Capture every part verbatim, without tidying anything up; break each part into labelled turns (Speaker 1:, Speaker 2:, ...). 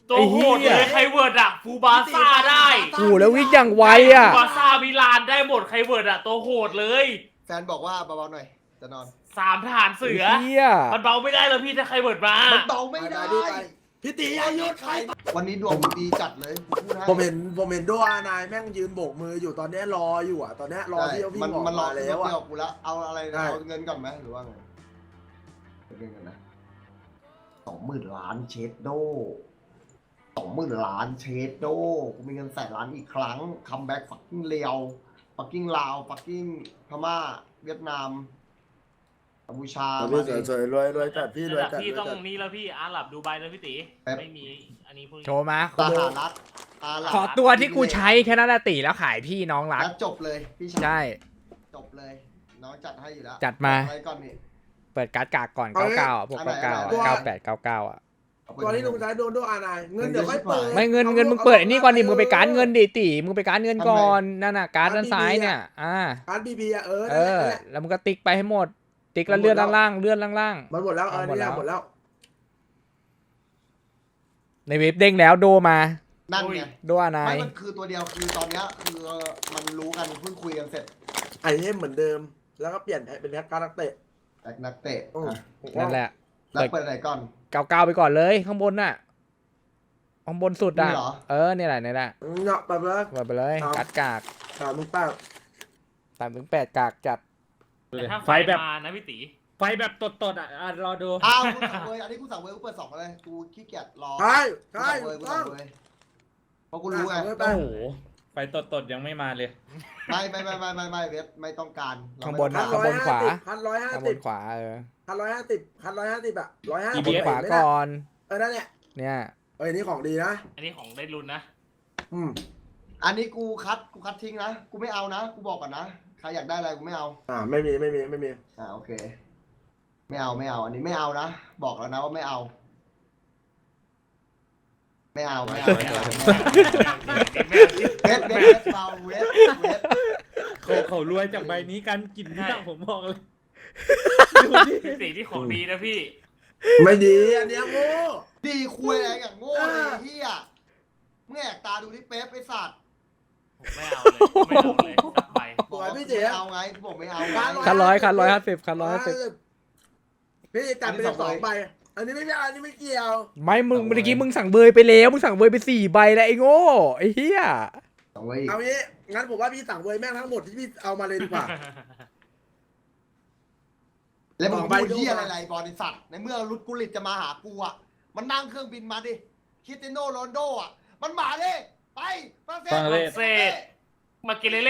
Speaker 1: ตัวโหดเลยใครเวิร์ดอะฟูบาซ่าได้
Speaker 2: โอ้โหแล้ววิ่งอย่างไวอ่ะ
Speaker 1: ฟูบาซ่ามิลานได้หมดใครเวิร์ดอะตัวโหดเลย
Speaker 3: แฟนบอกว่าเบาๆหน่อยจะนอน
Speaker 1: สามทหารเสือ
Speaker 2: เฮีย
Speaker 1: มันเบาไม่ได้แล้วพี่ถ้าใครเวิร์ดมา
Speaker 3: มันเบาไม่ได้
Speaker 4: พี่ตีอายุใคร
Speaker 3: วันนี้ดวงดีจัดเลยพูดให้
Speaker 4: ผมเห็นผมเห็นด้วยนายแม่งยืนโบกมืออยู่ตอนนี้รออยู่อ่ะตอนนี้รอที่เอาวิ่
Speaker 3: มัน
Speaker 4: งออก
Speaker 3: มันรอ
Speaker 4: มา
Speaker 3: แล้
Speaker 4: แล้ว ว
Speaker 3: อ่ะ
Speaker 4: อ่ะ
Speaker 3: กูแล้วเอาอะไร
Speaker 4: ได้
Speaker 3: เอาเงินก่อนไหมหรือว่าไงเงินกันนะสองหมื่นล้านเชดโดสองหมื่นล้านเชดโดกูมีเงินแสนล้านอีกครั้งคัมแบ็กฟักกิ้งเลียวฟักกิ้งลาวฟักกิ้งพม่าเวียดนามกัมพูชา
Speaker 4: พี่
Speaker 3: มา
Speaker 4: สวยๆรวยรวยจัดพี่รวยจัด
Speaker 1: พี่
Speaker 4: รวย
Speaker 1: ต้อง
Speaker 4: จัด
Speaker 1: นี่แล้วพี่อาหรับดูไบแล้วพี่ตีไม่มีอันนี้พวกนี้
Speaker 2: โชว์มา
Speaker 3: สหรัฐอาหรับ
Speaker 2: ขอตัวที่กูใช้แค่นั้นแหละตีแล้วขายพี่น้องรัก
Speaker 3: แล้วจบเลยพี่ชาย
Speaker 2: ใช่
Speaker 3: จบเลยน้องจัดให้อยู่แล้ว
Speaker 2: จัดมา
Speaker 3: อะไรก่อนนี่
Speaker 2: เปิดการ์ดกากก่อนเก้าเก้าพวก
Speaker 3: อันไหน
Speaker 2: เก้า
Speaker 3: อันไหน
Speaker 2: เก้าแปดเก้าเก้าอ่ะ
Speaker 3: เอาไป
Speaker 4: ตอนนี้ลุงใช้โดนด้วยอานายเงินเดี๋ยวค่อยเปิด
Speaker 2: ไม่เงินเงินมึงเปิดไอ้นี่ก่อนดิมึงไปการ์ดเงินดิตีมึงไปการ์ดเงินก่อนนั่นน่ะการ์ดด้านซ้ายเนี่ยอ่า
Speaker 4: การบีบีอ่ะเออ
Speaker 2: เอ
Speaker 4: นั่น
Speaker 2: อ
Speaker 4: แหละ
Speaker 2: แล้วมึงก็ติ๊กไปให้หมด ติ๊กแล้วเลื่อนล่างๆเลื่อนล่าง
Speaker 4: มันหมดแล้วเออ
Speaker 2: หมด
Speaker 4: นี่
Speaker 2: แล้ว
Speaker 4: หมดแล้ว
Speaker 2: ๆในเว็บเด้งแล้วโดมา
Speaker 3: นั่นไง
Speaker 2: โดอานาย
Speaker 3: ไม่มันคือตัวเดียวคือตอนเนี้ยคือมันรู้กันเพิ่งคุยกันเสร็จ
Speaker 4: ไอเทมเหมือนเดิม แล้วก็เปลี่ยนเป็นแพ็คการนักเตะ
Speaker 3: แตกนักเตะ
Speaker 4: อืม
Speaker 3: อ่ะ
Speaker 2: นั่นแหละ
Speaker 3: แล้วเปิดไหนก่อน
Speaker 2: เก้าเก้าไปก่อนเลยข้างบนน่ะข้างบนสุดอ่ะ
Speaker 3: นี่เหรอ
Speaker 2: เออเนี่ยแหละเนี่ยแหละ
Speaker 4: เนาะแบบว่า
Speaker 2: เปิดไปเลย
Speaker 4: ครับ
Speaker 2: การ์ดกาก
Speaker 4: สามมึงป้า
Speaker 2: สามถึงแปดกากจัด
Speaker 1: แต่ถ้าไฟ
Speaker 5: ไฟแบบ
Speaker 1: มานะพี่ตี
Speaker 5: ไฟแบบตดๆอ่ะอ่ะรอดู
Speaker 3: อ้าวกูสั่งเวยอันนี้กูสั่งเวยกูเปิดสองเลยกูขี้เกียจรอ
Speaker 4: ใช่
Speaker 3: กู
Speaker 4: ใช่
Speaker 3: สั่งเวยกู
Speaker 4: ต้อ
Speaker 3: สั่
Speaker 4: ง
Speaker 3: งเวยเพราะกูรู้ไง
Speaker 4: สั่งเว้ยไป
Speaker 5: โอ้โห ไฟตดๆยังไม่มาเลย
Speaker 3: ไม่ไม่ไม่ไม่ไม่ไม่เวทไม่ต้องการเร
Speaker 2: ข้าง
Speaker 3: ไม่
Speaker 2: บน
Speaker 3: ต้
Speaker 2: น่ะ
Speaker 3: อง
Speaker 2: ข้างบนขวา
Speaker 4: พันร้อยห้า
Speaker 2: ข้างบ
Speaker 4: สิบ
Speaker 2: นขวาเออ
Speaker 4: พันร้อยห้าสิบพันร้อยห้าสิบอ่ะร้อยห้า
Speaker 2: ข้า
Speaker 4: สิ
Speaker 2: ง
Speaker 4: บบ
Speaker 2: นขวาก่อน
Speaker 4: เออนั่นแหละ
Speaker 2: เนี่ย
Speaker 4: เอ้ยนี่ของดีนะ
Speaker 1: อันนี้ของได้รุนนะ
Speaker 4: อืม
Speaker 3: อันนี้กูคัดกูคัดทิ้งนะกูไม่เอานะกูบอกก่อนนะใครอยากได้อะไรกูไม่เอา
Speaker 4: อ่าไม่มีไม่มีไม่มี
Speaker 3: อ่าโอเค ไม่เอาไม่เอา อันนี้ไม่เอานะบอกแล้วนะว่าไม่เอา ไม่เอาไม่เอาไม่เอาเวทเวทเวทเบาเวทเวท
Speaker 5: เขาเขารวยจากใบนี้กันกินเนี่ยผมบอกเลย
Speaker 1: พี่ตีที่ของดีนะพี่
Speaker 4: ไม่ดีอันเนี้ยโง่
Speaker 3: ดีคุยอะไรอย่างโง่เลยเฮียเมื่อแอกตาดูที่เป๊ปไอ้สัตว์
Speaker 1: ผมไม่เอาเลยไม่เอาเลยสักใบ
Speaker 3: บอกว่าไม่เอาไงบอกไม่เอาไง
Speaker 2: คันร้อยคันร้อยห้าสิบคันร้อยห้าสิบ
Speaker 4: พี่จัดไปเลยสองใบอันนี้ไม่ใช่อันนี้ไม่เกี่ยว
Speaker 2: ไม่มึงเมื่อกี้มึงสั่งเบยไปแล้วมึงสั่งเบยไปสี่ใบแล้วไอ้โง่ไอ้เหี้ย
Speaker 3: เอาไว้อีก
Speaker 4: เอางี้งั้นผมว่าพี่สั่งเวยแม่งทั้งหมดที่พี่เอามาเลยดีกว่า
Speaker 3: แล้วมึง
Speaker 4: สองใบ
Speaker 3: พูดเฮีย
Speaker 4: ดู
Speaker 3: อะไร
Speaker 4: มา
Speaker 3: บอลไอ้สัตว์ในเมื่อรุดกุลิตจะมาหากูอ่ะมันนั่งเครื่องบินมาดิคริสเตียโนโรนลโดอ่ะมันมาดิไปฝรั่งเศส
Speaker 5: ฝรั่งเศส
Speaker 1: มาเกเลเล่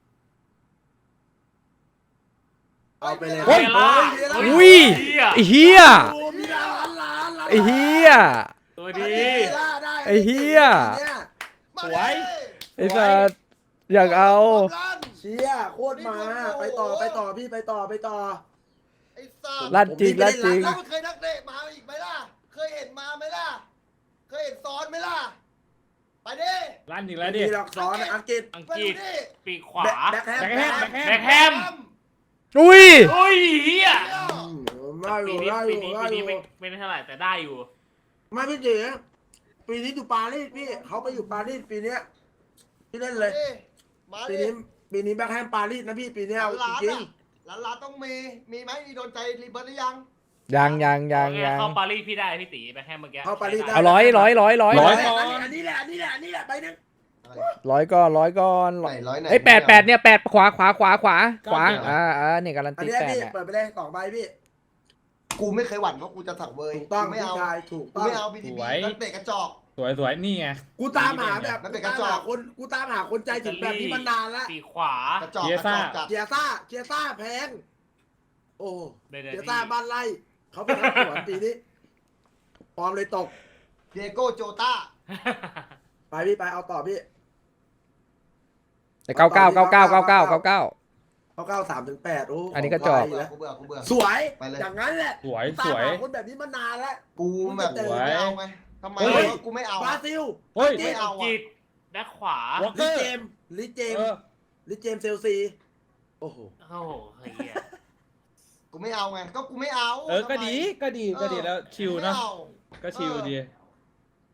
Speaker 4: เอาไปเลย
Speaker 1: เวลา
Speaker 2: อุ้ยไอ้เหี้ย
Speaker 4: โอ้มีล้านล้านล้าน
Speaker 2: ไอ้เหี้ย
Speaker 1: ตัวดี
Speaker 2: ไอ้เหี้ย
Speaker 3: มา
Speaker 5: ส
Speaker 3: ดิ
Speaker 5: วย
Speaker 2: ไอ้สัสอยากเอา
Speaker 4: เชี่ยโคตรมาไปต่อไปต่อพี่ไปต่อไปต่อ
Speaker 3: ไอ้สัตว์
Speaker 2: ลั่นจริงลั่นจริง
Speaker 3: แล้วมันเคยนักเตะมาอีกไหมล่ะ เคยเห็นมาไหมล่ะ เคยเห็นซ้อนไหมล่ะ ไปดิ
Speaker 5: ลั่นอีกแล้วดิ
Speaker 4: มีหลักซ้อนอังกฤษ
Speaker 1: อัง
Speaker 3: ไป
Speaker 1: ก
Speaker 3: ดู
Speaker 1: ฤษ
Speaker 3: ดิ
Speaker 1: ปีกขวา
Speaker 4: แบ็คแฮม
Speaker 5: แบ็คแฮมแบ็คแฮม
Speaker 1: แบ็คแฮม
Speaker 2: อุ้ย
Speaker 1: โอ้ยเฮีย
Speaker 4: ได้อ
Speaker 1: ปี
Speaker 4: ยู่
Speaker 1: นี้
Speaker 4: ได้อ
Speaker 1: ปี
Speaker 4: ยู่
Speaker 1: นี้
Speaker 4: ได้
Speaker 1: ปี
Speaker 4: อ
Speaker 1: นี้
Speaker 4: ยู่
Speaker 1: ไม่ไม่ได้เท่าไหร่แต่ได้อยู่
Speaker 4: ไม่พี่เจ๋ปีนี้อยู่ปารีสพี่เขาไปอยู่ปารีสปีเนี้ยพี่เล่นเลย
Speaker 3: มา
Speaker 4: ปี
Speaker 3: ดิ
Speaker 4: นี้ปีนี้แบ็คแฮมปารีสนะพี่ปีเนี้ย
Speaker 3: หลาน
Speaker 4: จริง
Speaker 3: อ่ะหลานหลานต้องมี มีไหมมีโดนใจรีเบิร์ตหรือยัง
Speaker 2: ยังยังยัง
Speaker 1: โอเค
Speaker 2: ยัง
Speaker 1: เข้าปารีสพี่ได้พี่ตีแบ็คแฮมเมื่อกี้
Speaker 4: เข้าปารีสได้
Speaker 2: เอาร้อยร้อยร้อยร้อย
Speaker 5: ร้อย
Speaker 4: อันนี้แหละอันนี้แหละอันนี้แหละไปนึง
Speaker 2: ร้อยก้อนร้อยก้อน
Speaker 3: ไหนร้อยไหน
Speaker 2: ไอ้แปดแปดเนี่ยแปดขวาขวาขวาขวาขวาอ่าอ่าเนี่ยการัน
Speaker 4: อัน
Speaker 2: ตี
Speaker 4: นี้
Speaker 2: แปด
Speaker 4: พี่
Speaker 2: เนี่ย
Speaker 4: เปิดไปเลยสองใบพี่
Speaker 3: กูไม่เคยหวั่นว่ากูจะสั่งเบย
Speaker 4: ถูกต้อง
Speaker 3: กูไม่
Speaker 4: พี่
Speaker 3: เอา
Speaker 4: ชายถูก
Speaker 3: กู
Speaker 4: ต้อง
Speaker 3: ไม่เอาบีที
Speaker 5: ส
Speaker 3: บี
Speaker 5: วย
Speaker 3: นักเตะกระจอก
Speaker 5: สวยสวยนี่ไง
Speaker 4: กูตามหาแบบ
Speaker 3: มันเป็น
Speaker 4: กู
Speaker 3: กระ
Speaker 4: ตาม
Speaker 3: จอก
Speaker 4: หาคนกูตามหาคนใจถึงแบบนี้มานานแล้ว
Speaker 1: ปีกขวาก
Speaker 3: ระจอก
Speaker 5: เกี
Speaker 3: ก
Speaker 5: ย
Speaker 3: ระ
Speaker 5: ร์
Speaker 3: จ
Speaker 5: ซ่า
Speaker 3: อกจัด
Speaker 4: เกียร์ซ่าเกียร์ซ่าแพงโอ้
Speaker 1: ได้ได้
Speaker 4: เกียร์ซ่าบ้านไร่เขาเป็นนักสวนปีนี้ปลอมเลยตก
Speaker 3: เดียโก้โจต้า
Speaker 4: ไปพี่ไปเอาต่อพี่
Speaker 2: แต่เก้าเก้าเก้าเก้าเก้าเก้าเก้าเก้า
Speaker 4: เขาเก้าสามถึงแปดโอ้
Speaker 2: อันนี้ก็จบ
Speaker 4: ขงไทยแล้ว
Speaker 3: กูเบื่อกูเบื่อ
Speaker 4: สวย
Speaker 3: ไปเลย
Speaker 4: อย่างนั้นแหละ
Speaker 5: สวย
Speaker 4: ตา
Speaker 5: ส
Speaker 4: ม
Speaker 5: วย
Speaker 4: หาคนแบบนี้มานานแล้ว
Speaker 3: กูแบบ
Speaker 4: สวย
Speaker 3: ไม่เอาไงทำไม
Speaker 5: เฮ้ย
Speaker 3: วะกูไม่เอา
Speaker 4: บราซิล
Speaker 5: เฮ้ย
Speaker 3: ไม่เอา
Speaker 1: อังกฤษแบ็คขวา
Speaker 5: วอลเก
Speaker 4: ลิ
Speaker 5: อร์
Speaker 4: เจมส์ลิเจม
Speaker 5: เอ
Speaker 4: ส์
Speaker 5: อ
Speaker 4: ลิเจมส์เซลซีโอ้โห
Speaker 1: โอ้โหเฮีย
Speaker 3: กูไม่เอาไง ก็กูไม่เอา
Speaker 5: เออ ก็
Speaker 3: ทำไม
Speaker 5: ดี ก็ดี ก็ดีแล้วชิล
Speaker 3: ไม่
Speaker 5: เนอะ
Speaker 3: เอา
Speaker 5: ก็ชิลดี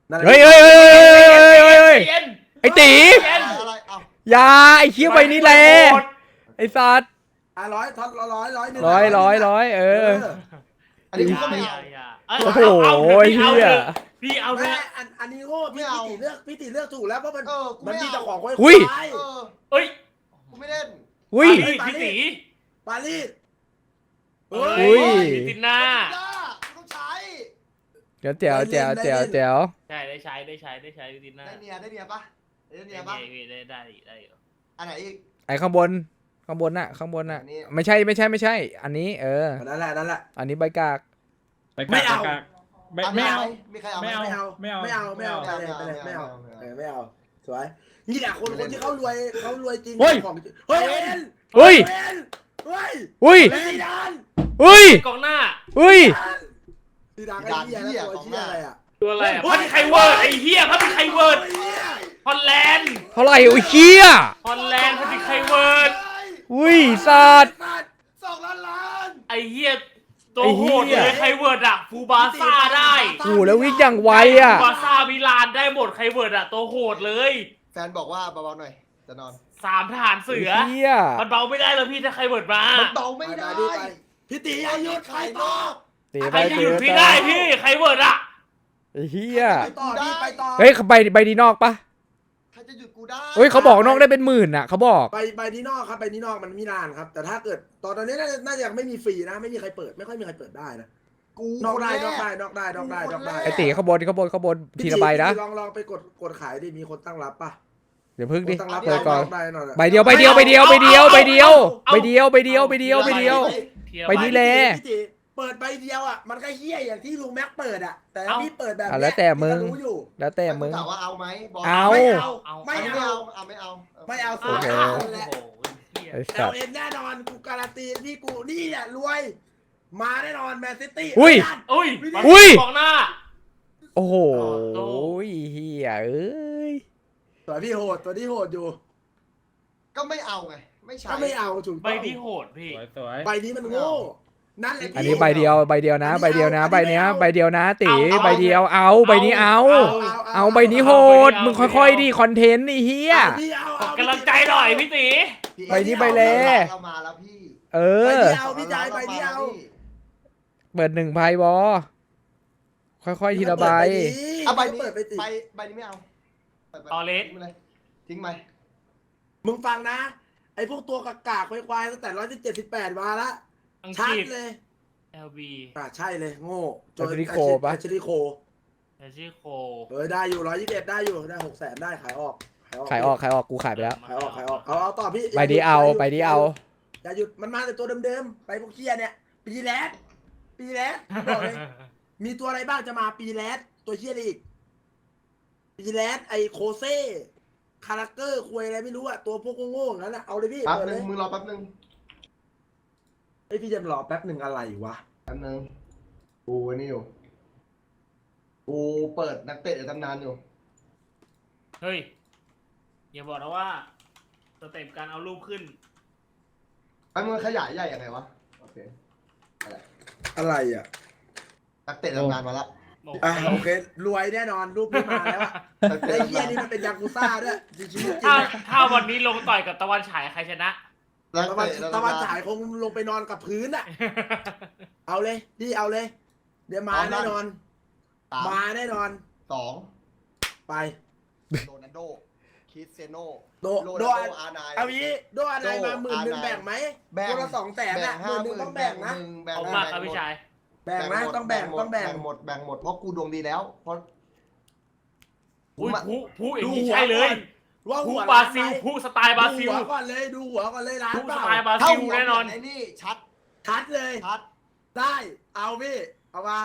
Speaker 4: นั่นแหละ
Speaker 2: เฮ้ยเฮ้ยเฮ้ยเฮ้ยเฮ้ยเฮ้ยเฮ้ย
Speaker 1: เย็น
Speaker 2: ไอ้ตี
Speaker 3: อะไรเอา
Speaker 2: อยาไอ้เคี้ยวใบนี้แหละไอ้สัตว์
Speaker 4: อ่ะร้อยทอนร้อยร้อยหนึ่ง
Speaker 2: ร้อยร้อยร้อยเออ
Speaker 3: อันนี้
Speaker 1: อ
Speaker 3: กู
Speaker 1: ย่า
Speaker 3: ก็ไม่
Speaker 1: อย่า
Speaker 3: เอา
Speaker 1: อย่าเอ้ย
Speaker 2: โอ้โห
Speaker 1: เอาเอา
Speaker 2: ไอ้
Speaker 1: พี่เอา
Speaker 2: เหี้ย
Speaker 1: เถอะพี่เอาเถ
Speaker 4: แม่
Speaker 1: อะ
Speaker 4: อันอันนี้โง่พี่
Speaker 3: ไม่เอา
Speaker 4: พี่ติเลือกพี่ติเลือกถูกแล้วเพราะมัน
Speaker 3: เออกู
Speaker 4: มัน
Speaker 3: ไม่
Speaker 4: มี
Speaker 3: เอา
Speaker 4: เจ้าของไว้
Speaker 2: อุ้ย
Speaker 4: ควาย
Speaker 3: เออ
Speaker 1: เอ้ย
Speaker 3: กูไม่เล่น
Speaker 2: อุ้ย
Speaker 1: เฮ้ยพี่ตี
Speaker 4: ปารีส
Speaker 1: เฮ้
Speaker 2: อุ้ย
Speaker 1: พี่ติหน้า
Speaker 3: ย่ากูต้องใช้
Speaker 2: เดี๋ยวแจ๋วแจ๋วแจ๋วแจ๋ว
Speaker 1: ใช่ได้ใช้ได้ใช้ได้ใช้พี่ติหน้า
Speaker 3: ได้เนียได้เนียปะได้เนี
Speaker 1: ได้
Speaker 3: ยปะ
Speaker 1: พี่ได้ได้ได้อยู่
Speaker 3: อันไหนอีก
Speaker 2: ไอ้ข้างบนข้างบนน่ะข้างบนน่ะ
Speaker 3: อันนี้
Speaker 2: ไม่ใช่ไม่ใช่ไม่ใช่ อันนี้ เออ
Speaker 4: นั่นแหละนั่นแหละ
Speaker 2: อันนี้ใบกาก
Speaker 5: ไป
Speaker 4: ไม่
Speaker 5: กาก
Speaker 4: เอา
Speaker 5: ไปกากไม่
Speaker 3: อัน
Speaker 5: ไม่
Speaker 3: นี้
Speaker 5: เอา
Speaker 3: มีใครเอาไหม
Speaker 5: ไม่
Speaker 4: ไม่เอา
Speaker 5: ไม่เอา
Speaker 4: ไม่เอาไม่เอา
Speaker 5: ไม่
Speaker 4: ไป
Speaker 5: เอา
Speaker 4: เลยไปเลย
Speaker 3: ไม่
Speaker 4: ไม่
Speaker 3: เอา
Speaker 4: เอา
Speaker 3: ไม่เอา
Speaker 4: เออไม่เอาสวยนี่แหละคนคนที่เขารวยเขารวยจริง
Speaker 5: เฮ้ย
Speaker 4: ของจริงเฮ้ยเอ็น
Speaker 2: เฮ้ย
Speaker 4: เอ็นเฮ้ย
Speaker 2: อุ้ย
Speaker 4: เฮ้ยดัน
Speaker 2: อุ้ย
Speaker 1: กองหน้า
Speaker 2: อุ้ย
Speaker 4: ดีดังไอ้เหี้ยแล้วตัวเหี้ยอะไรอ่ะ
Speaker 1: ตัวอะไรอ่ะพันไคเวิร์ดไอ้เหี้ยพันไคเวิร์ดฮอลแลนด์
Speaker 2: เท่าไหร่อุ้ยเคี้ย
Speaker 1: ฮอลแลนด์พันไคเวิร์ด
Speaker 2: อุ้ยสัตว์
Speaker 3: สองล้านล้าน
Speaker 1: ไอ้เหี้ยตัว
Speaker 2: ไอ้
Speaker 1: โห
Speaker 2: เหี้
Speaker 1: ดเลย ยไคเวิร์ดอะฟูบาซ่าได้
Speaker 2: โอ้โหแล้ววิ่งอย่างไวอ่ะ
Speaker 1: ฟูบาซ่ามิลานได้หมดไคเวิร์ดอะตัวโหดเลย
Speaker 3: แฟนบอกว่าเบาๆหน่อยจะนอน
Speaker 1: สามทหารเสือ
Speaker 2: เคี้ย
Speaker 1: มันเบาไม่ได้แล้วพี่ถ้าไคเวิร์ดมา
Speaker 3: มันเบาไม่ได้
Speaker 4: ไปไปพี่ตีอายุใครต่อ
Speaker 2: ตี
Speaker 1: ใค
Speaker 2: ไป
Speaker 1: รจะ
Speaker 2: ตี
Speaker 1: หยุด
Speaker 2: ไป
Speaker 1: พี่ได้พี่ไคเวิร์ดอะ
Speaker 2: ไอ้เฮีย
Speaker 4: ไปต่อพี่ไปต่อ
Speaker 2: เฮ้ยใบใบดีนอกปะ
Speaker 3: ใครจะหยุดกูได้
Speaker 2: เฮ้ยเขาบอกนอกได้เป็นหมื่นอ่ะเขาบอก
Speaker 4: ไปไปที่นอกครับไปที่นอกมันมีนานครับ แต่ถ้าเกิดตอนนี้น่าจะยังไม่มีฟรีนะไม่มีใครเปิดไม่ค่อยมีใครเปิดได้นะ
Speaker 3: กู
Speaker 4: นอกได้
Speaker 3: คน
Speaker 4: นอก
Speaker 3: แร
Speaker 4: ได้นอกได้นอกได้นอกได้
Speaker 2: ไอ้ตีข้างบนข้างบนข้างบนทีละใบนะ
Speaker 4: ลองลองไปกดกดขายดิมีคนตั้งรับป่ะ
Speaker 2: เดี๋ยวพึ่ง
Speaker 4: ค
Speaker 2: ดิ
Speaker 4: นตั้งรับ
Speaker 2: เปิดก่อน
Speaker 4: ได้หน่อย
Speaker 2: ใบเดียวใบเดียวใบเดียวใบเดียวใบเดียวใบเดียวใบเดียวใบเดียวใบเดียว ไปนี่แหละ
Speaker 4: พี่ตีเปิดใบเดียวอ่ะมันก็เฮี้ยอย่างที่ลุงแม็กเปิดอ่ะแต่พี่เปิดแบบ
Speaker 2: อ่ะแล้วแต่มึง
Speaker 4: พี่ก็รู้อยู่
Speaker 2: แล้วแต่มึง
Speaker 3: ถามว่าเอาไหมบก
Speaker 2: เอา
Speaker 4: ไม่เอา
Speaker 1: เอา
Speaker 4: ไม่
Speaker 3: อันนี้ไม่
Speaker 4: เอา
Speaker 3: เอาเอาไม่เอา
Speaker 4: ไม่เอา
Speaker 1: โอ้
Speaker 4: สุด
Speaker 1: โห
Speaker 4: ท้าย
Speaker 1: โอ้
Speaker 4: แหละ
Speaker 1: โหเหี้ย
Speaker 2: ไอ้
Speaker 4: แต่
Speaker 2: สัตว์
Speaker 4: เอ็นแน่นอนกูการันตีพี่กูนี่แหละรวย มาแน่นอนแมนซิตี้
Speaker 2: อุ้ย
Speaker 1: อุ้ย
Speaker 2: อุ้ย
Speaker 1: กองหน้า
Speaker 2: โอ้โห
Speaker 1: โอ้โห
Speaker 2: เฮียเอ้ย
Speaker 4: ตัวพี่โหดตัวที่โหดอยู่
Speaker 3: ก็ไม่เอาไงไม่ใช่
Speaker 4: ถ้าไม่เอาถูก
Speaker 1: ใบ
Speaker 4: ต้อง
Speaker 1: ที่โหดพี่
Speaker 5: สวยสวย
Speaker 4: ใบนี้มันโง่นั่นแหละ
Speaker 2: อันนี้ใบเดียวใบเดียวนะใบเดียวนะใบเนี้ยใบเดียวนะตี
Speaker 1: เอาเอา
Speaker 2: ใบเดียวเอาใบนี้เอา เอาใบนี้โหดมึงค่อยๆดิคอนเทนต์ไอ้เฮีย
Speaker 4: เอาพี่เอาเอา
Speaker 1: กำลังใจหน่อยพี่ตี
Speaker 3: พี่
Speaker 2: ใบนี้ใบแล
Speaker 3: เรามาแล้วพี่
Speaker 2: เอ
Speaker 4: ใบ
Speaker 2: อ
Speaker 4: นี้เอาพี่จ่ายใบนี้เอา
Speaker 2: เปิดหนึ่งใบบอค่อยๆทีละใบ
Speaker 3: เอาใบนี้
Speaker 4: เปิดไปติ
Speaker 3: ใบใบนี้ไม่เอาปิดไป
Speaker 1: ตอเลส
Speaker 3: ทิ้งไปเลยทิ้งไป
Speaker 4: มึงฟังนะไอ้พวกตัวกากๆควายๆตั้งแต่ร้อยเจ็ดสิบแปดมาละ
Speaker 1: อัง
Speaker 4: ชั
Speaker 1: ก
Speaker 4: ด
Speaker 1: ฤษ
Speaker 4: เลย
Speaker 1: แอลบี
Speaker 4: อ่ะใช่เลยโง่
Speaker 2: แอชลีโคปะ
Speaker 4: แอชลีโค
Speaker 1: แอชิโค
Speaker 4: เออได้อยู่ร้อยยี่สิบเอ็ดได้อยู่ได้หกแสนได้ขายออก
Speaker 2: ขายออกขายออกกูขายไปแล้ว
Speaker 4: ขายออกขายออกเอาเอาต่อพี่
Speaker 2: ใบนี้เอาใบนี้เอา
Speaker 4: อย่าหยุดมันมาแต่ตัวเดิมๆไปพวกเคียเนี่ย ปีแรดปีแรดบอกเลย มีตัวอะไรบ้างจะมาปีแรดตัวเคียอีกปีแรดไอโคเซ่คาแรคเตอร์คุยอะไรไม่รู้อะตัวพวกโง่ๆอย่างนั้นอะเอาเลยพี่
Speaker 3: แป๊บ
Speaker 4: เปิด
Speaker 3: นึ
Speaker 4: เล
Speaker 3: ง
Speaker 4: ย
Speaker 3: มึงรอแป๊บนึง
Speaker 4: ไอยพี่จะรอแป๊บหนึ่งอะไรวะ
Speaker 3: แป๊บนึงกูไอ้นี่อยู่กูเปิดนักเตะในตำนานอยู่
Speaker 1: เฮ้ยอย่าบอกนะว่าสเต็ปการเอารูปขึ้น
Speaker 3: ไอ้มึงขยายใหญ่ยังไงวะโอเค
Speaker 4: อะไรอะ
Speaker 3: นักเตะตำนานมาละ
Speaker 1: บอก
Speaker 4: อ่ะโอเครวยแน่นอนรูปนี้มาแล้วอะ
Speaker 3: นัก
Speaker 4: ไอ
Speaker 3: เตะ
Speaker 4: เคีย
Speaker 3: ตำนาน
Speaker 4: นี่มันเป็นยากุซ่าด้วยชีวิตจริง
Speaker 1: ถ้า
Speaker 4: อะ
Speaker 1: ถ้าวันนี้ลงต่อยกับตะวันฉายใครชนะ
Speaker 3: นัก
Speaker 4: ตะวัน
Speaker 3: เตะ
Speaker 4: ตะวันฉายคงลงไปนอนกับพื้นอะเอาเลยพี่เอาเลย เดี๋ยวมาแน่นอน
Speaker 3: สาม
Speaker 4: มาแน่นอน
Speaker 3: สอง
Speaker 4: ไป
Speaker 3: โรนัลโดคริสเซโน
Speaker 4: โด
Speaker 3: โร
Speaker 4: โด
Speaker 3: นัลโดอาร์ไนน์
Speaker 4: เอางี้โดอะไรมาหมื่นหนึ่งแบ่งไหม
Speaker 3: แบ่ง
Speaker 4: คนละสองแสน
Speaker 3: แบ่
Speaker 4: อะ
Speaker 3: ง
Speaker 4: ห
Speaker 3: ห้า
Speaker 4: มื่น
Speaker 3: ห
Speaker 4: หนึ่ง
Speaker 3: มื่
Speaker 4: ต้อน งแบ่งนะ
Speaker 3: แบ่ง
Speaker 1: เอา
Speaker 3: แบ่ง
Speaker 1: มากครับพี่ชาย
Speaker 4: แบ่งนะต้องแบ่งต้องแบ่ง
Speaker 3: หมดแบ่งหมดเพราะกูดวงดีแล้วเพราะ
Speaker 1: อุ้ย
Speaker 3: ผมอะ
Speaker 1: ผู้ผู้อย่าง
Speaker 4: ดู
Speaker 1: นี้
Speaker 4: หัว
Speaker 1: ใช่เลย
Speaker 4: ก่อนว่า
Speaker 1: ผู้
Speaker 4: หัว
Speaker 1: บรา
Speaker 4: ล้าน
Speaker 1: ซิล
Speaker 4: ไหม
Speaker 1: ผู้สไตล์บราซิล
Speaker 4: ดูหัวก่อนเลยดูหัวก่อนเลยร้าน
Speaker 1: ผู้
Speaker 4: เป
Speaker 1: ส
Speaker 4: ล่า
Speaker 1: ไตล์บรา
Speaker 3: เท่า
Speaker 1: ซิล
Speaker 3: หัว
Speaker 1: แน่นอน
Speaker 3: ไอ้นี่ชัด
Speaker 4: ชัดเลย
Speaker 3: ชัด
Speaker 4: ได้เอาพี่เอามา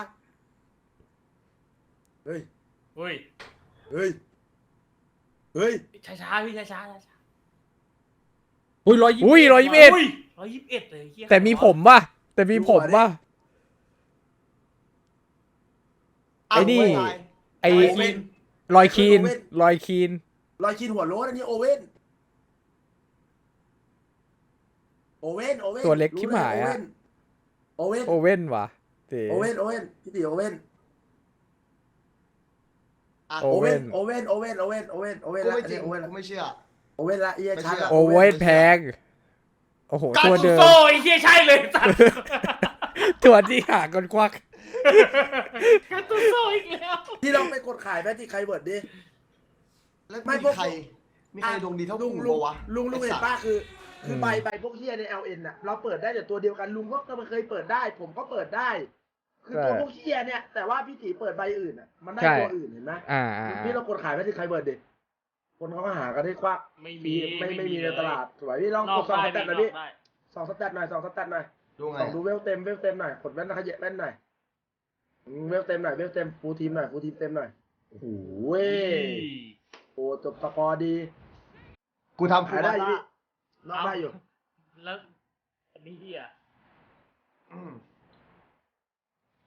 Speaker 4: เฮ้ย
Speaker 1: เฮ้ย
Speaker 4: เฮ้ยเฮ้ย
Speaker 1: ช้าช้าๆพี่ช้าช้าๆช้า
Speaker 5: อุ้ยร้อยยี่
Speaker 2: อุ้ยร้อยยี่สิบเอ็ด
Speaker 1: อุ้ยร้อยยี่สิบเอ็ดเลยเหี้ย
Speaker 2: แต่มีผมป่ะแต่มีผมป่ะ ไอ้นี่ ไอ
Speaker 3: โอเว่น
Speaker 2: ลอยคีนลอยคีน
Speaker 4: รอยชินหัวโล้นอันนี้โอเว่นโอเว่นโอเว่น
Speaker 2: ตัวเล็กชิบหายอะ
Speaker 4: โอเว่น
Speaker 2: โอเว่นว่ะเต๋
Speaker 4: โอเว่นโอเว่นพี่ตีโอเว่น
Speaker 3: อ่ะ
Speaker 2: โอ
Speaker 4: โอ
Speaker 2: เว่
Speaker 4: เว่
Speaker 2: น
Speaker 4: นโอเว่นโอเว่นโอเว่นโอเว่นโอเว่น
Speaker 3: กู
Speaker 4: ละ
Speaker 3: ไม่จริ
Speaker 4: เนี่
Speaker 3: ง
Speaker 4: ยโอเว่น
Speaker 3: กู
Speaker 4: ละ
Speaker 3: ไม่เชื่อ
Speaker 4: โอเว่นละเอีย
Speaker 3: ไม่
Speaker 4: ชัด
Speaker 3: เชื่อ
Speaker 4: ละ
Speaker 2: โอเว่นแพงโอ้โห
Speaker 1: การ
Speaker 2: ตัว
Speaker 1: ตุ
Speaker 2: เดิม
Speaker 1: โซ่ไอ้เหี้ยใช่เลยสัตว์
Speaker 2: ตัวที่หากันควัก
Speaker 1: การตุโซ่อีกแล้ว
Speaker 4: ที่เราไปกดขายแมจิกไคเวิร์ดดิ
Speaker 3: แล้ว
Speaker 4: ไม่
Speaker 3: มี
Speaker 4: พวก
Speaker 3: ใคร มีใครดวงดีเท่า
Speaker 4: ลุ
Speaker 3: กู
Speaker 4: งลุง
Speaker 3: ปะวะ
Speaker 4: ลุงลุง
Speaker 3: ไอ้
Speaker 4: เห็น
Speaker 3: สัตว์
Speaker 4: ป้าคือ คือ
Speaker 2: ม
Speaker 4: ใบใบพวกเฮียใน แอล เอ็น น่ะเราเปิดได้แต่ตัวเดียวกันลุงก็ก็เคยเปิดได้ ผมก็เปิดได้ คือตัวพวกเฮียเนี่ย แต่ว่าพี่ตีเปิดใบอื่นอ่ะมันได้ตัวอื่นเห็นไหม
Speaker 2: อ่าอ่า
Speaker 4: พี่เรากดขายแมจิกไคเวิร์ดดิคนเขาก็หากันให้ควัก
Speaker 1: ไม่มี
Speaker 4: พี่ไม่ไม่มีใน
Speaker 1: เลย
Speaker 4: ตลาดสวยพี่ลอง
Speaker 1: นอก
Speaker 4: กดสอง
Speaker 1: ได้
Speaker 4: สแตทหน่อย
Speaker 1: น
Speaker 4: พี่
Speaker 1: อกได้
Speaker 4: สองสแตทหน่อยสองสแตทหน่อย
Speaker 3: ดูไง
Speaker 4: สองดูเวลเต็มเวลเต็มหน่อยกดแว่นนะขยับแว่นหน่อยอืมเวลเต็มหน่อยเวลเต็มฟูลทีมหน่อยฟูลทีมเต็มหน่อยโอ้โหเว้ยโอ้จบสกอร์ดี
Speaker 3: กูทำฟู
Speaker 4: ขาย
Speaker 3: ล
Speaker 4: ได้
Speaker 3: ได้
Speaker 4: อยู่พี่นอกได้อยู่
Speaker 1: แล้วอันนี้เหี้ย
Speaker 3: อืม